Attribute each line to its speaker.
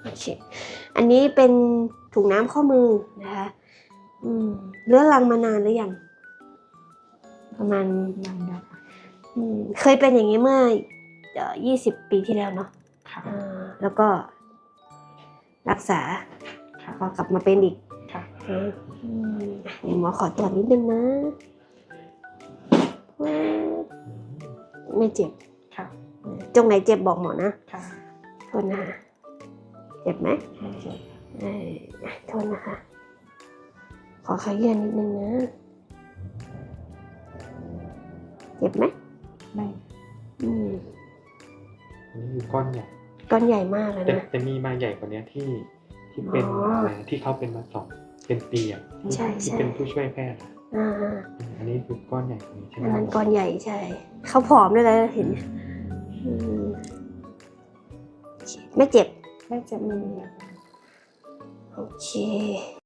Speaker 1: โอเคอันนี้เป็นถุงน้ำข้อมือนะคะเรื้อรังมานานหรือยังประมาณ
Speaker 2: นานแล้ว
Speaker 1: เคยเป็นอย่างนี้เมื่อ20 ปีที่แล้วเนาะแล้วก็รักษาพอกลับมาเป็นอีกหมอขอตรวจนิดนึงนะไม่เจ็บตรงไหนเจ็บบอกหมอนะโทษนะคะเจ็บไหมโทษนะคะขอขยื่นนิดนึงนะเจ็บไหม
Speaker 2: ไม่
Speaker 3: อันนี้คือก้อนใหญ่
Speaker 1: ใหญ่มากเลยนะ
Speaker 3: แต่มีมาใหญ่กว่านี้ที่เป็นที่เขาเป็นมาเป็นปีอ่ะที่เป็นผู้ช่วยแพทย์อันนี้คือก้อนใหญ่กว่านี้ใช่ไหม
Speaker 1: อันนั้นก้อนใหญ่ใช่เขาผอมด้วยเลยเห็นไม่เจ็บ
Speaker 2: ไม่เจ็บ
Speaker 1: โอเค